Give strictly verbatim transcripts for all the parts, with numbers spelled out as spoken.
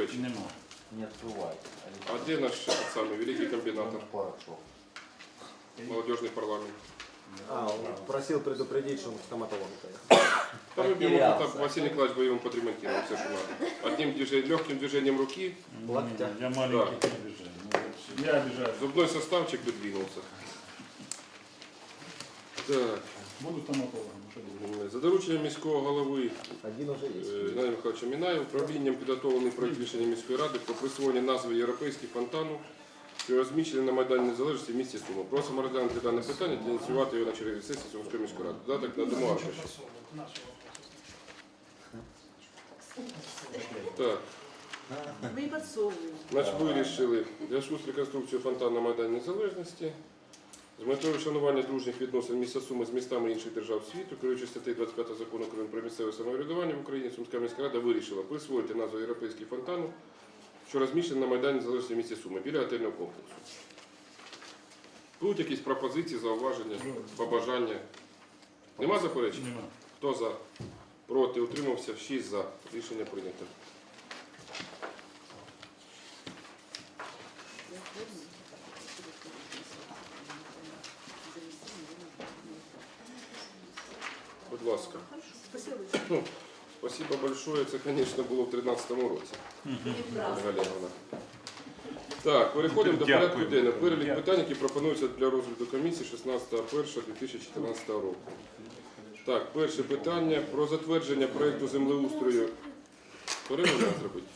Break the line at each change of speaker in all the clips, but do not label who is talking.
заперечень?
Нема.
Не открывайте.
А де наш самий великий комбінатор?
Порошок.
Молодіжний парламент.
А, он просил предупредить, что он к стоматологу поехал.
Там мы берем,
Потерялся.
там Василий Николаевич бы его подремонтировал, все, что надо. Одним движением, легким движением руки,
Локтя.
Я маленький
Да.
обижаю. Ну, Я обижаю.
зубной составчик бы двинулся. Так,
Буду стоматологом. ну, що буде?
за дорученням міського голови
Один уже есть.
Геннадія Михайловича Мінаєва, управлінням підготовлений проект рішення міської ради про присвоєння назви Європейський фонтану, що розміщений на Майдані Незалежності в місті Суми. Просимо розглянути дане питання та ініціювати його на черговій сесії Сумської міської ради. Додаток на дому аркуші. Так,
Мы не подсовываем.
значить, вирішили в зв'язку з реконструкцією фонтану на Майдані Незалежності з метою вшанування дружніх відносин міста Суми з містами інших держав світу, керуючи статтею двадцять п'ять закону України про місцеве самоврядування в Україні, Сумська міська рада вирішила присвоїти назву Європейський фонтану, що розміщений на Майдані Незалежності в місті Суми, біля готельного комплексу. Будуть якісь пропозиції, зауваження, побажання? Нема заперечень?
Нема.
Хто за? Проти? Утримався? шість за. Рішення прийнято. Будь ласка.
Спасибо.
Ну, спасибо большое. Це, звісно, було в тринадцятому році. Ольга Олеговна. Так, переходимо до порядку
Дякую.
денного. Перелік
Дякую.
питань, які пропонуються для розгляду комісії шістнадцятого першого дві тисячі чотирнадцятого року. Так, перше питання про затвердження проєкту землеустрою. Переможемо зробити?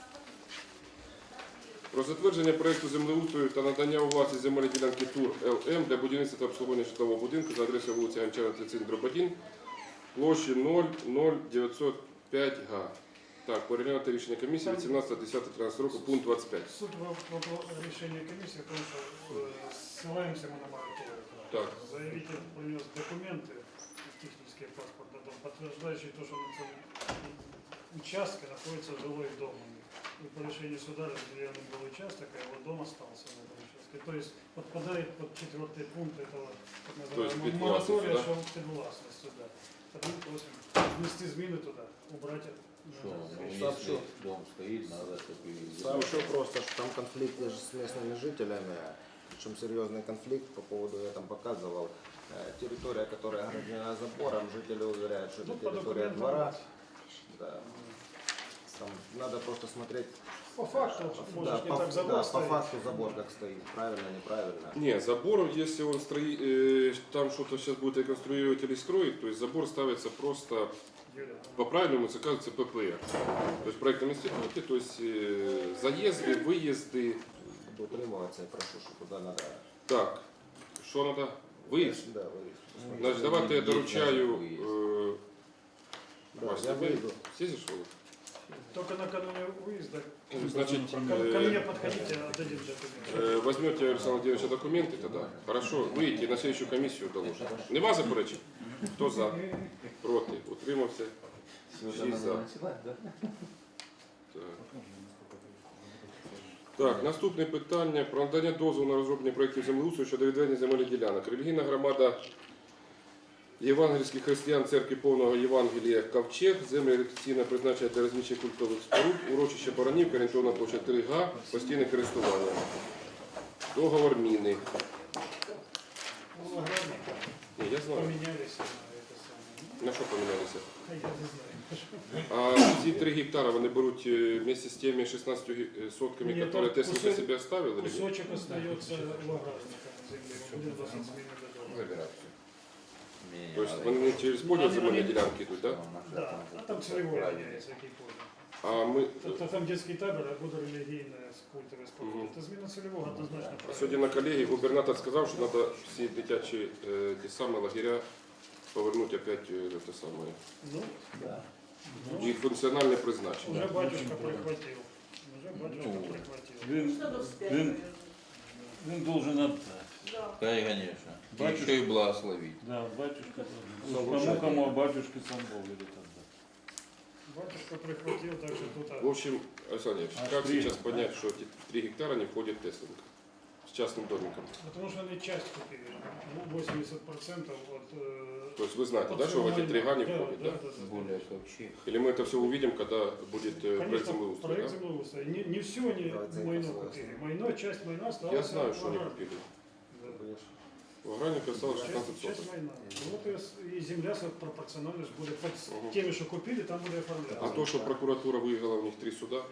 Про затвердження проєкту землеустрою та надання у власність земельної ділянки ТУР ЛМ для будівництва та обслуговування житлового будинку за адресою вулиця Гончара, тридцять один, дроб один, площі нуль нуль дев'ятсот п'ять га. Так, переглянути рішення комісії від сімнадцятого десятого тринадцятого року, пункт двадцять п'ять.
Суть вопроса решения комиссии, потому что э, ссылаемся мы на мораторий.
Так.
Заявитель принес документы, технический паспорт, на дом, подтверждающие то, что на целом участке находится жилой дом. И по решению суда разделенный был участок, а его дом остался на этом участке. То есть подпадает под четвертый пункт этого так
То есть
называемого
підвласність,
моратория,
да?
что підвласність сюда. Потому просим внести зміни туда, убрать это.
Что, ну,
Сообщу.
если дом стоит, надо, чтобы...
Сообщу просто, что там конфликт же с местными жителями, причем серьезный конфликт по поводу, я там показывал, э, территория, которая ограждена забором, жители уверяют, что это
Ну, по
территория
документам.
двора. Да. Там надо просто смотреть.
По факту,
э,
может,
да,
не
по,
так забор
да, по
стоит.
факту забор как стоит, правильно, неправильно.
Не, забор, если он строит, э, там что-то сейчас будет реконструировать или строить, то есть забор ставится просто,
Юля,
по правильному это кажется ППР. То есть в проектном институте, то есть э, заезды, выезды.
Буду утримываться, я прошу, что туда надо.
Так, что надо? Выезд?
Да, выезд.
Значит, давайте я доручаю... Э,
Да,
Вась,
я
ты
выйду.
съездишь, Володь?
только накануне выезда
Значит,
ко, ко мне
э,
подходите, отдадим документы.
э, возьмете Александра Владимировича документы тогда. Хорошо, выйдете на следующую комиссию доложите. Нема заперечень? Хто за? Проти? Утримався? Шість за. Так. Так, наступне питання про надання дозволу на розроблення проєктів землеустрою щодо відведення земельних ділянок. Релігійна громада євангельських християн церкви повного Євангелія Ковчег, землі рекреаційного призначення для розміщення культових споруд, урочище Баранівка, орієнтовна площа три га, постійне користування. Договор міни.
Ну, аграрники
Ні, я знаю.
поменялись на это самое.
На що помінялися?
А я не знаю.
А ці три гектара вони беруть е, вместе з теми шістнадцятью ге- сотками,
Ні,
які
там
Теслика
кусок-
себе оставили? или ні?
Кусочек остается у аграрника на земле. Будем вносить зміни до договору.
Забирать все.
То есть вони через поле
Вони-
земельні
вони-
ділянки йдуть, так? Да?
Да, а там целевой меняется, який понял.
А ми
Тобто там детський табор, а буде релігійне культове спорту.
Мгм.
Це зміна цільового однозначно
А
правильно.
сьогодні на колегії губернатор сказав, що треба всі дитячі е, ті самі лагеря повернути опять е, те саме.
Ну,
Да.
ну,
Їх функціональне призначення.
уже батюшка прихватил. Уже батюшка
Ну,
прихватил.
Він,
Что тут вспять,
він,
наверное?
він должен отдать.
Да.
Конечно.
Батюшка-
Еще и благословить.
Да, батюшка.
Ну,
Кому
лучше
кому, а батюшке сам Бог велит отдать.
Батюшка прихватил, так что тут...
В общем, Александр Ильич,
А
как
три,
сейчас
да?
понять, что эти три гектара не входят в Теслинг? С частным домиком.
Потому что они часть купили. Ну, восемьдесят процентов от... э,
То есть вы знаете,
от
да, что в эти
всего
три га не
майна.
входит, да?
Да, да, да.
Более вообще.
Или мы это все увидим, когда будет э, проект
Конечно,
землеустройства,
проект
да?
землеустройства. Не, не все они
Давайте
майно
согласны.
купили. Майно, часть майна осталась.
Я знаю,
в
что они
аграрке.
купили.
Да.
В аграрнике осталось шестнадцать
Часть, часть
соток.
майна. Ну, вот и, с- и земля со- пропорционально ж буде под с-
Мгм.
теми, що купили, там буде оформляться.
А то, що прокуратура виграла у них три суда,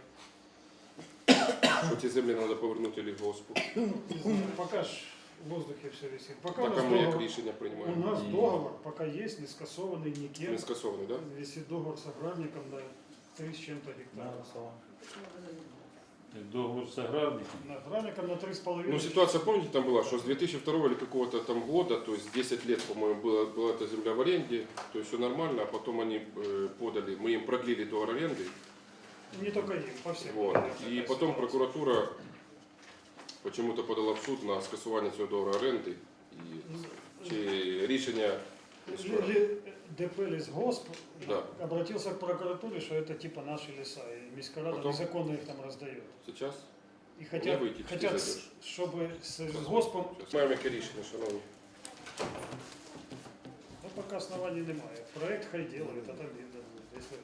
що ці землі треба повернути лісгоспу.
Не знаю, пока ж в воздухе все висит. Пока у
Так
нас,
а ми як
договор,
рішення
у
приймаємо?
нас
Ні.
договор пока есть, не скасованный никем.
Не скасований, так? Да?
Висит договор с аграрником на три с чем-то гектаров.
Договор с аграрником.
На аграрником на три с половиной.
Ну, ситуация, помните, там была, что с две тысячи второго или какого-то там года, то есть десять лет, по-моему, была, была эта земля в аренде, то есть все нормально, а потом они э, подали, мы им продлили договор аренды,
Не только им, по всем.
вот,
Такая
и потом
ситуация.
прокуратура почему-то подала в суд на скасування цього договору оренди, і чи рішення
Ли- ли- ДП Лесгосп
Да.
обратился к прокуратуре, что это типа наши леса, и Міськрада
Потом?
незаконно их там раздает.
зараз.
И хотят,
выйти, ты
хотят
зайдешь.
с- чтобы с Лесгоспом,
Щас маємо яке рішення, шановні.
ну пока оснований немає. Проект хай делает, а там видно будет. Если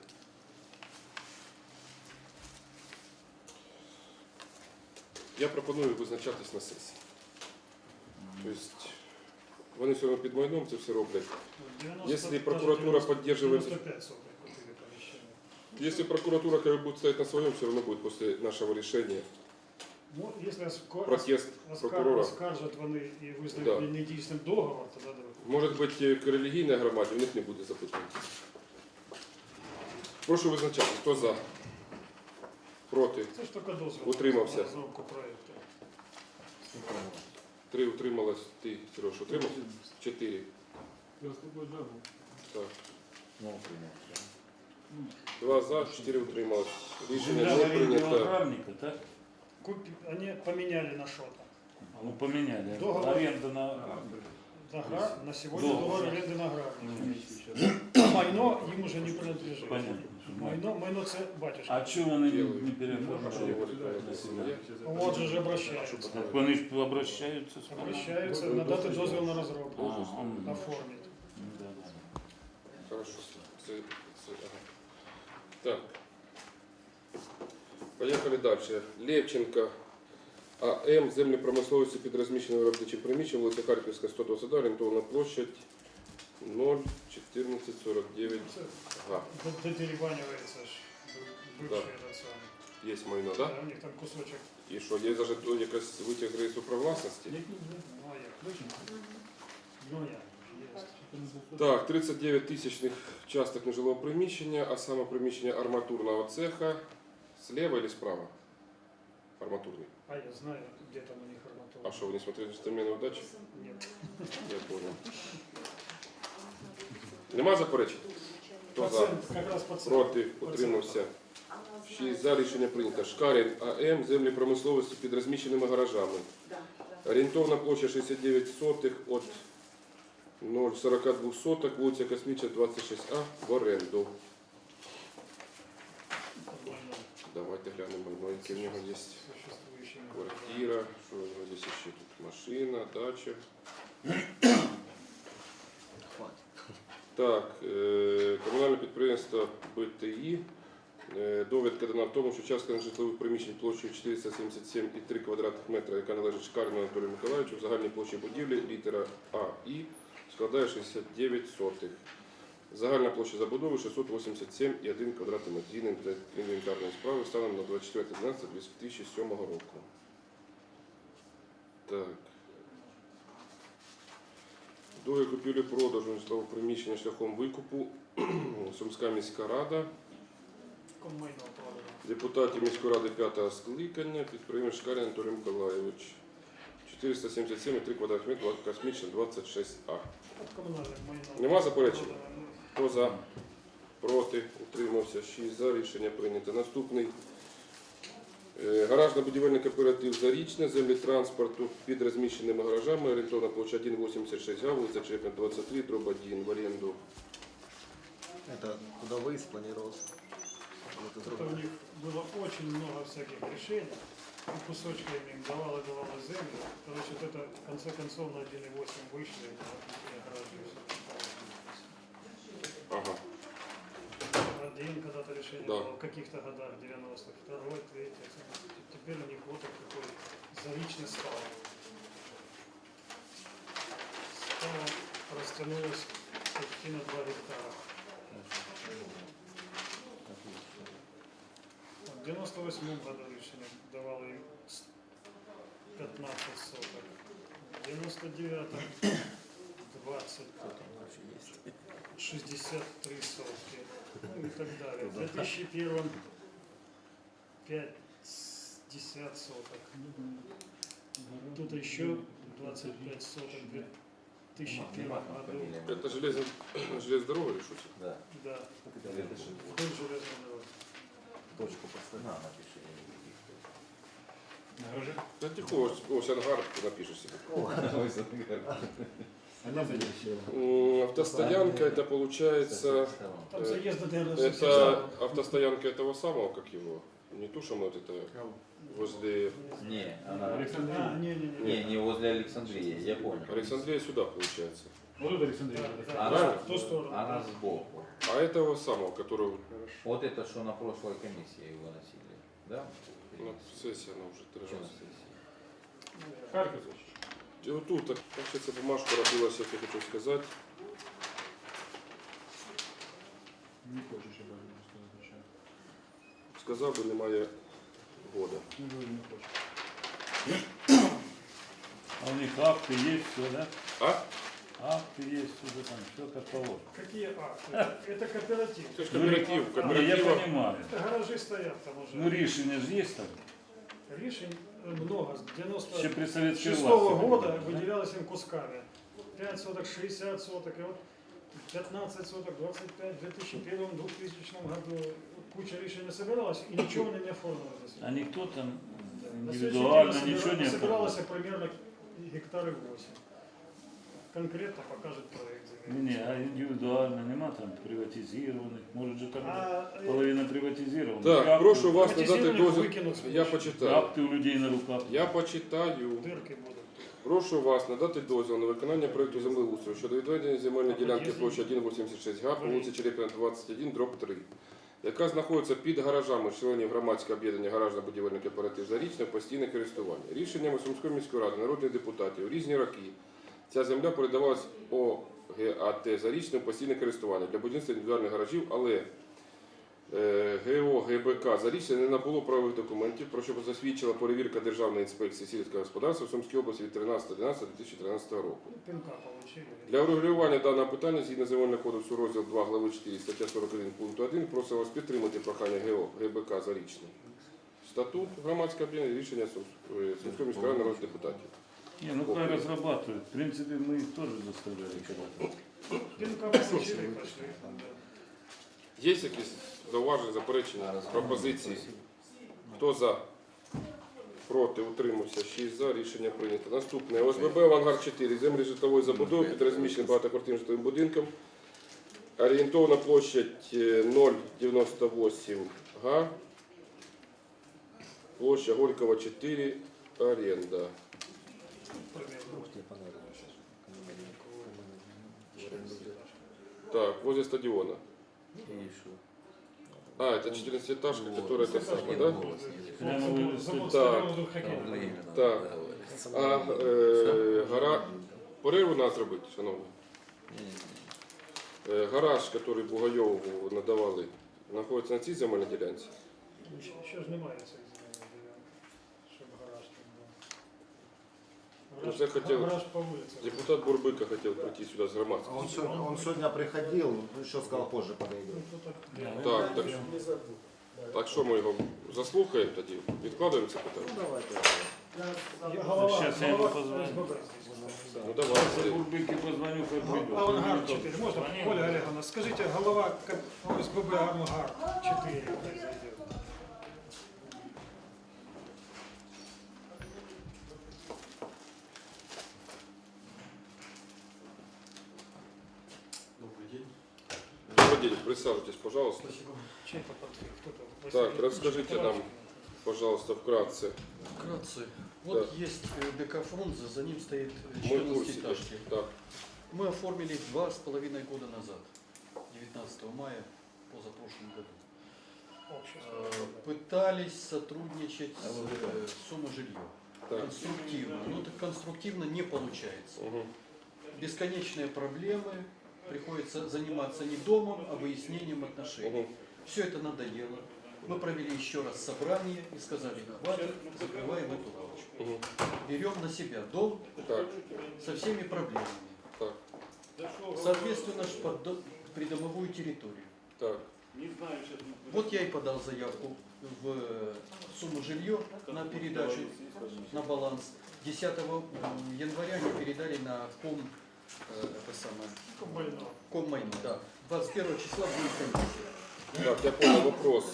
Я пропоную визначатись на сесії. Тобто, вони все одно під майном це все роблять.
девяносто,
Если
даже
прокуратура
девяносто,
поддерживает-
девяносто пять соток купили помещение.
Если прокуратура как бы, будет стоять на своем, все равно будет после нашего решения
Ну, если оска-
протест
оскар-
прокурора.
оскаржать вони і визнають
Да.
недійсним договор, тоді да.
Может быть, к релігійній громаді у них не буде запитань. Прошу визначати, хто за, проти,
Це ж тільки дозвіл.
Утримався.
на розробку проекту.
три утрималось, ти, Сереж, утримався? Чотири. Так.
Ну, принято.
Два за, чотири утрималось. Рішення
Земля в
не
аренде у
прийнято.
аграрника, так?
Купи... Они поменяли на что-то.
Ну, поменяли.
Договор.
Аренда на...
Аграр... На сегодня
Договор.
договор аренды на аграрник.
Ну,
Майно им уже не принадлежит.
понятно. что
Майно, майно це батюшка.
А чого вони не,
Делают.
не
Що
переоформили
говорить
на себе?
Вот же же обращаются.
Так вони ж обращаються з
Обращаются, надати дозвіл на розробку.
А, м.
Оформить.
Да, да.
Хорошо. Це, це, ага. Так. Поїхали далі. Левченко АМ, землі промисловості під розміщеним виробничим приміщенням, вулиця Харківська, сто двадцять два, орієнтовна площадь нуль чотирнадцять сорок дев'ять
Це
га.
дотеребанивается ж бывший
Да.
этот самый.
Є майно,
Да,
так?
у них там кусочек.
Да? І що, є навіть то якась витяг з реєстру прав власності?
Ну а як? Ну як? Есть.
Так, тридцять дев'ять тисячних часток нежилого приміщення, а саме приміщення арматурного цеха слева или справа? Арматурний.
А я знаю, где там у них арматура.
А что, вы не смотрели «Джентльмены удачи»?
Нет.
Я понял. Нема заперечень? Хто за?
Пациент, как раз пациент.
Проти? Утримався. шість за. Рішення прийнято. Шкарін АМ, землі промисловості під розміщеними гаражами. Орієнтовна площа шістдесят дев'ять сотих від нуль сорок два соток, вулиця Космічна, двадцять шість А, в оренду.
Нормально.
Давайте глянемо, майно, яке в нього є.
Существующими.
Квартира, що у нього є ще тут? Машина, дача. Так, е, комунальне підприємство БТІ. Е, Довідка дана в тому, що частка нежитлових приміщень площею чотириста сімдесят сім і три квадратних метра, яка належить Шкарину Анатолію Миколаївичу, в загальній площі будівлі літера А І складає шістдесят дев'ять сотих. Загальна площа забудови шістсот вісімдесят сім і один квадратний метр. Згідно інвентарної справи станом на двадцять четверте дванадцяте дві тисячі сьомого року. Так. Договір купівлі-продажу житлового приміщення шляхом викупу. Сумська міська рада.
Коммайно продано.
Депутатів міської ради п'ятого скликання, підприємець Шкарін Анатолій Миколаївич. чотириста сімдесят сім і три квадратних метра, Космічна, двадцять шість А.
От коммунальных майно.
Нема заперечень?
Продано.
Хто за? Проти? Утримався. шість за. Рішення прийнято. Наступний. Е, Гаражно-будівельний кооператив «Зарічне», землі транспорту під розміщеними гаражами, орієнтовна площа один вісімдесят шість га, вулиця Чепня, двадцять три, дроб один, в оренду.
Это куда выезд планировался? Вот из
Это у них было очень много всяких решений. и кусочками им давала, давала землю. Короче, вот это в конце концов на один и восемь вышли, и гаражи все.
Ага.
Один когда-то решение
Да.
было в каких-то годах, девяностых, второй, третий. Теперь у них вот такой заречный стал. Стало растянулось почти на два гектара. В девяносто восьмом году решение давало им пятнадцать соток. В девяносто девятом двадцать, шестьдесят три сотки. Ну и так далее. В две тысячи первом пятьдесят соток. Тут еще двадцать пять соток в две тысячи первом году.
Это железная, железная дорога или что?
Да.
Да, вдоль железной дороги.
Точку поставь. На, напиши.
На гараже?
Да тихо, ось ангар ты напишешь себе.
Ой, Сангар.
М, Автостоянка это получается,
Там
Э,
заезда, наверное,
это автостоянка этого самого, как его, не ту, что мы вот это возле
Не, она...
А, не, не, не.
Не, не возле Александрии, я понял.
Александрия сюда получается.
Вот тут Александрия.
Да, да,
Она,
в ту сторону.
она
да.
сбоку.
А этого самого, которого
Вот это, что на прошлой комиссии выносили, да?
на сессии она уже три
Что на
раза.
сессии?
Харьков.
І отут, так, получается, бумажку робилася, як я хочу сказати.
Не хочешь, я даже не отвечаю.
Сказав би, немає года.
Ну, говорю, не хочешь. А у них акты есть, все, да?
А?
Акты есть, все там, все как положено.
Какие акты? Это кооператив.
Це ж кооператив,
Не, я
кооператива.
понимаю.
Это гаражи стоят там уже.
Ну, решение же есть там.
Решень много. С девяносто
Еще при советской
шестого
власти.
года
да?
выделялось им кусками. пять соток, шестьдесят соток, и вот пятнадцать соток, двадцать пять, в две тысячи первом, в двухтысячном году куча решений собиралась, и ничего они не оформили. до сих пор.
А никто там
На следующий день
индивидуально
собира-
ничего не
собиралось
оформил.
примерно гектары восемь. Конкретно покажет проект
Не,
земли.
не, а индивидуально нема там приватизированных. Может же там
А, э,
половина приватизирована.
Так,
Акты-
прошу вас надати
Приватизованих
дозвіл.
викинуть
Я
сможеш.
почитаю.
Акты у людей на руках.
Я почитаю.
Дырки будут.
Прошу вас надати дозвіл на виконання проєкту землеустрою щодо відведення земельної ділянки площі один вісімдесят шість га по вулиці Черепіна двадцять один, дроб три, яка знаходиться під гаражами членів громадського об'єднання гаражно-будівельний кооператив «Зарічне» в постійне користування. Рішеннями Сумської міської ради, народних депутатів у різні роки ця земля передавалась ОГАТ «Зарічне» в постійне користування для будівництва індивідуальних гаражів, але е, ГО ГБК «Зарічне» не набуло правових документів, про що засвідчила перевірка Державної інспекції сільського господарства в Сумській області від тринадцятого дванадцятого дві тисячі тринадцятого року.
Ну, пинка получили.
Для врегулювання даного питання згідно Земельного кодексу розділ два глави чотири стаття сорок один пункту один просимо вас підтримати прохання ГО ГБК «Зарічне». Статут громадського об'єднання рішення Сум- е, Сумської міської ради народних депутатів.
Не, ну хай разрабатывают. В принципе, мы их тоже заставляли когда-то.
Пинка получили, пошли. Да.
Є якісь зауваження, заперечення, пропозиції? Хто за? Проти, утримався, шість за, рішення прийнято. Наступне. ОСББ «Авангард чотири», землі житлової забудови під розміщеним багатоквартирним житловим будинком. Орієнтовна площадь е, нуль дев'яносто вісім га. Площа Горького чотири, оренда. Так, возле стадиона.
И что?
А, это четырнадцатиэтажка, которая это самая, да?
Прямо вы-
Завод
Так.
стадиона вдруг хоккейный.
Так. А е, гара... Перерву нас зробити, шановні. Е, гараж, який Бугайову надавали, знаходиться на цій земельній ділянці.
Ще, ще ж немає цих земельних ділянок, щоб гараж там був.
Ну,
Гараж,
це хотів-
гараж по вулиці.
Депутат Бурбика хотів прийти сюди з
А
громадським.
Он, сегодня, он сегодня приходил, ну, еще сказал, позже подойдет.
Ну, то так.
Так, так, так що ми його заслухаємо тоді? Відкладаємо це питання?
Ну, давайте.
Я голова,
Щас я йому
голова
позвоню.
СББ здесь.
Ну давайте.
Бурбыки позвоню, как придет.
Авангард чотири. Можно, Оля Олеговна, скажите, голова ка- ОСББ Авангард чотири. пусть зайдет.
Добрый день, присаживайтесь, пожалуйста.
Чей-то подвиг, кто-то.
Так, расскажите нам. пожалуйста, вкратце.
Вкратце. Вот есть э, ДК Фрунзе, за ним стоит
Мы в курсе.
четырнадцатиэтажки.
Так,
Мы оформили два с половиной года назад, девятнадцатого мая позапрошлом году.
Общество.
Э, Пытались сотрудничать с э, Сумажилье.
так.
Конструктивно. Но так конструктивно не получается.
Угу.
Бесконечные проблемы. Приходится заниматься не домом, а выяснением отношений.
Угу.
Все это надоело. Мы провели еще раз собрание и сказали, хватит, закрываем эту лавочку.
Угу.
Берем на себя дом
Так,
со всеми проблемами.
так,
Соответственно, ж под до- придомовую территорию.
так.
Вот я и подал заявку в э, сумму жилье на передачу на баланс. десятого января они передали на ком, э, это самое,
Комбайнов.
Коммайну, да. двадцать первого числа будет комиссия.
Так, я понял вопрос.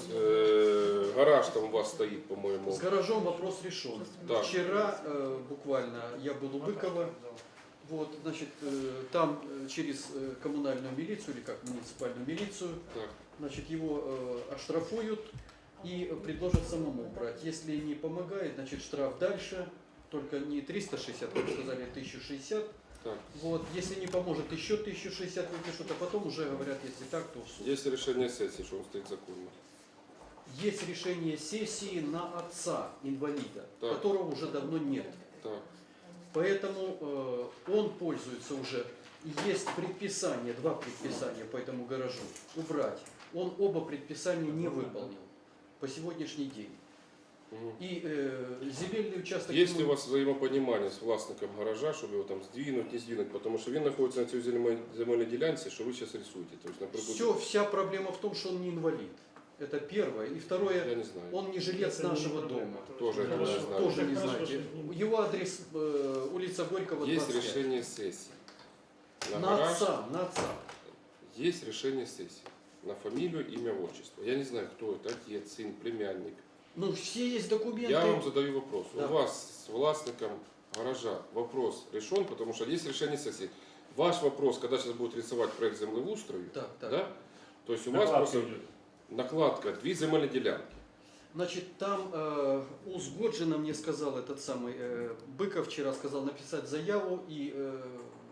Э, гараж там у вас стоит, по-моему.
С гаражом вопрос решен.
Так.
Вчера э, буквально я был у Быкова. Вот, значит, э, там э, через э, коммунальную милицию или как муниципальную милицию,
Так.
значит, его э, оштрафуют и предложат самому брать. Если не помогает, значит, штраф дальше, только не триста шестьдесят, как сказали, а тысяча шестьдесят.
Так.
Вот, если не поможет, еще тысячу шестьдесят выпишут, а потом уже говорят, если так, то в суд.
Есть решение сессии, что он стоит законно.
Есть решение сессии на отца инвалида,
Так.
которого уже давно нет.
Так,
Поэтому э, он пользуется уже. Есть предписание, два предписания по этому гаражу убрать. Он оба предписания не выполнил по сегодняшний день.
угу.
И э, земельный участок...
Есть ли
ему-
у вас взаимопонимание з власником гаража, щоб його там здвинуть, не здвинуть? Потому що він знаходиться на цій земель- земельній ділянці, що ви зараз рисуєте. Тобто, наприклад,
Все, вся проблема в том, что он не инвалид. Это первое. И
я
второе,
не знаю.
он не жилец
Это не
нашего
проблема,
дома.
то есть
Тоже этого
хорошо.
не знаю.
Тоже не
Хорошо,
знаете.
что-
Его адрес э, улица Горького,
Есть
двадцать пять.
решение сессии. На,
На
гараж
отца, на отца.
есть решение сессии. На фамилию, имя, отчество. Я не знаю, кто это, отец, сын, племянник.
Ну, все есть документы.
Я вам задаю вопрос.
Да.
У вас с властником гаража вопрос решен, потому что есть решение сессии. Ваш вопрос, когда сейчас будет рисовать проект землеустрою,
Так, так.
да? То есть у вас
Накладка
просто
идет.
накладка, две земельные делянки.
Значит, там э, узгоджено, мне сказал этот самый э, Быков вчера сказал написать заяву и э,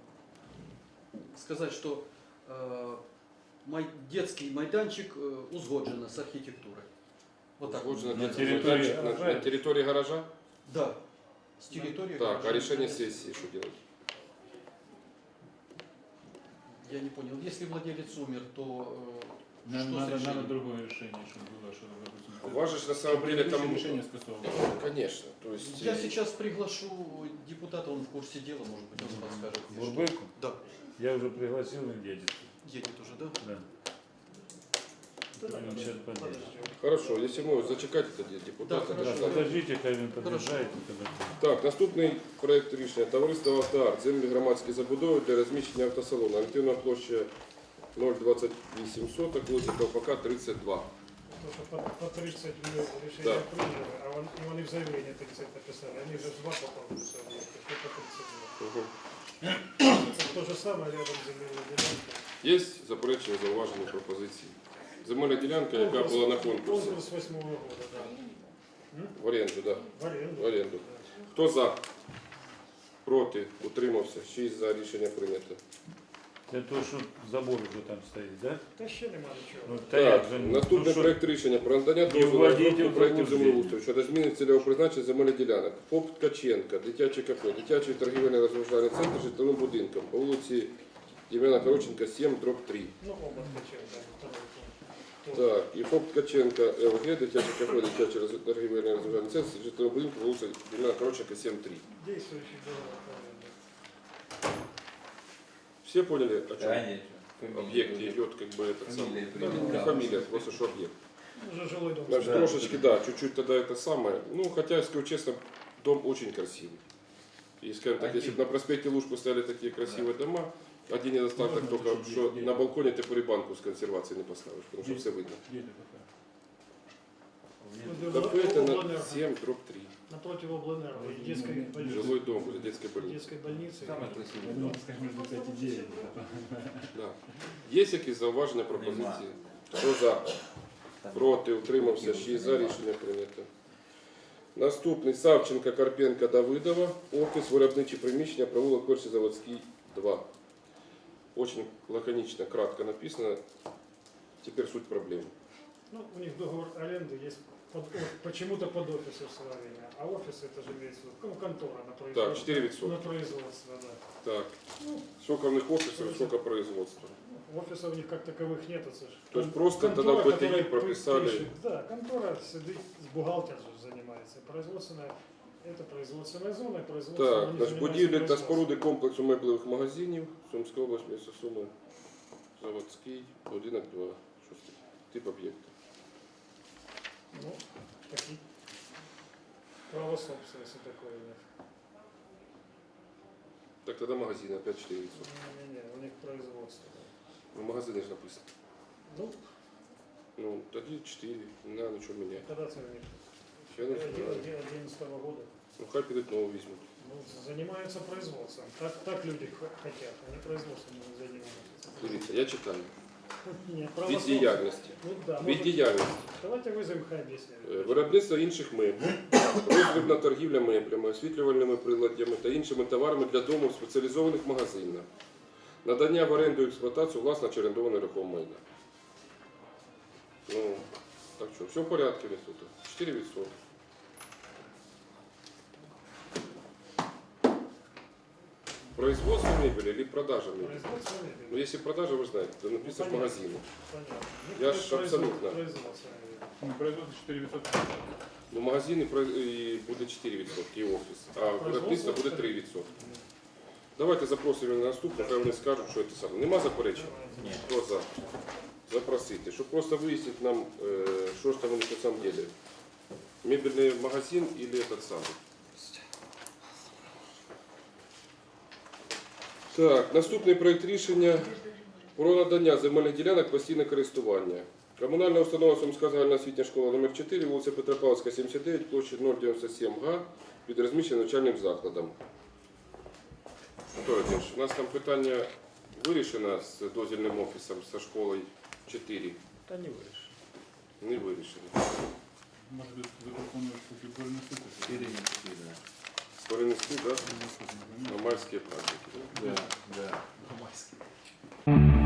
сказать, что э, май, детский майданчик э, узгоджено с архитектурой. Вот так.
Узгоджено
На
для-
территории
на,
гаража?
на территории гаража?
Да. С территории.
Так, а
гаража.
решение сессии что делать?
Я не понял. Если владелец умер, то э,
Нам
что
надо,
с
надо
решением?
другое решение, чтобы было, что, допустим,
У вас же на самом деле там...
предыдущее решение скасовано.
Конечно. То есть,
Я
э,
сейчас приглашу депутата, он в курсе дела, может быть, он подскажет. мне, что-
Бурбыку?
Да.
Я уже пригласил, он едет.
Едет уже, да?
Да. Он сейчас подъедет.
Подождем.
Хорошо, если мы зачекать это депутата.
Да,
Да,
хорошо.
подождите, хай він подъезжает.
Так, наступний проект рішення. Товариство «Автоарт». Землі громадські забудови для розміщення автосалону. Орієнтовна площа нуль двадцять вісім соток, вулиця Ковпака, тридцять два.
То, что по, по тридцать мы решение
Да.
приняли, а он, и они в заявлении тридцать написали. Они же два попали в заявление, что по тридцать два.
Угу.
Это то же самое рядом с земельной делянкой.
Є заперечення, зауваження, пропозиції? Земельна ділянка, яка була на конкурсі.
Конкурс восьмого года, да.
В оренду, так. Да.
В аренду.
В оренду. Хто за? Проти? Утримався? Шість за. Рішення прийнято.
Це то, що забор вже там стоїть, да?
Та ще нема нічого.
Ну, та як
Так,
же, ну,
наступний
що-
проект рішення про надання
Не
дозволу на
вводіть
розробку
в
проєктів
заблуждення.
землеустрою щодо зміни цільового призначення земельних ділянок. ФОП Ткаченка, дитячий кафе, дитячий торгівельний розважальний центр житловим будинком по вулиці Євгена Короченка, сім, дроб три.
Ну, оба ткачев, да, второй пункт.
Так, і ФОП Ткаченка, ЛГ, дитячий кафе, дитячий роз- торгівельний розважальний центр житловим будинком по вулиці Євгена Короченка, сім, три.
Действующий договор по аренде.
Все поняли, о чем
Конечно.
объект идет, как бы это самое?
Фамилия,
Ну, не фамилия, просто что объект.
Уже жилой дом.
Значит,
Да.
трошечки, да, чуть-чуть тогда это самое. Ну, хотя, я скажу честно, дом очень красивый. И, скажем так, если бы на проспекте Лужку стояли такие красивые дома, один недостаток
Можно
только,
тоже
что
где-
на балконе ты банку с консервацией не поставишь, потому что
Где?
все видно.
Где это такая?
Ну,
Кафе это на
Облэнерго.
семь, дробь три.
Напротив Облэнерго, детской больницы.
Жилой дом возле детской больницы.
Детской больницы.
Самое красивое.
Ну, скажем, между пять и девять.
Да. Є якісь зауваження, пропозиції? Хто за? Проти, утримався, шість за, рішення прийнято. Наступний Савченка, Карпенка, Давидова. Офіс, виробничі приміщення, провулок Перший Заводський, два. Очень лаконично, кратко написано. Теперь суть проблемы.
Ну, у них договор аренды есть под, о- почему-то под офисы в Словении. А офис это же имеется в виду, ну, контора на производство.
Так, четыре відсотки.
На производство, да.
Так,
Ну,
сколько у них офисов, сколько производства.
офисов у них как таковых нет, это же.
То есть
кон-
просто
контора,
тогда в БТИ
которая
прописали-
пишет- Да, контора сидит, с бухгалтер же занимается. Производственная, это производственная зона, и производство.
Так,
они
значить,
занимаются
будівлі та
производством.
споруди комплексу меблевих магазинів, Сумська область, місто Суми, Заводський, будинок два. Шостий. Тип об'єкта.
Ну, такие. Право собственности такое у них.
Так, тоді магазин, опять чотири відсотки.
Не-не-не, у них производство.
Ну, магазини ж написано.
Ну,
Ну, тоді чотири, не треба нічого міняти.
когда це у них?
Я не знаю.
одиннадцатого года.
Ну, хай підуть нову візьмуть.
Ну, занимаются производством. Так, так люди х- хотят, они производством не занимаются.
Дивіться, я читаю.
Нет, право
Від
собственности.
діяльності.
Ну да,
Від
может,
діяльності.
давайте вызовем, хай
Е,
объясняют.
Виробництво інших меблів, роздрібна торгівля меблями, освітлювальними приладдями та іншими товарами для дому в спеціалізованих магазинах. Надання в оренду і експлуатацію власне чи орендованої рухомого майна. Ну, так що, все в порядку у них тут. чотири відсотки. Производство мебели или продажа мебели?
Производство
Ну,
мебели.
если продажа, вы знаете, то написано в
понятно.
магазине.
Понятно.
Я
Ну,
ж
производ-
абсолютно.
Производство мебели.
Ну, производство чотири відсотки.
Ну, в магазині про- і буде чотири відсотки і офіс, а виробництво буде три відсотки. Давайте запросимо на наступне, хай вони скажуть, що це саме. Нема заперечень?
Ні.
Хто за? Запросити, щоб просто вияснити нам, е, що ж там вони на самом деле. Мебельний магазин или этот самый. Так, наступний проєкт рішення про надання земельних ділянок постійне користування. Комунальна установа Сумська загальноосвітня школа номер чотири, вулиця Петропавловська, сімдесят дев'ять, площа нуль дев'яносто сім га, під розміщеним навчальним закладом. Анатолій Володимирович, у нас там питання вирішено з дозвільним офісом, зі школою чотири.
Та не вирішено.
Не вирішено.
Може, ви запропонуєте таки перенести це?
Перенести, да.
Перенести, да?
Ну, що,
На майські праздники. Да?
Да, да.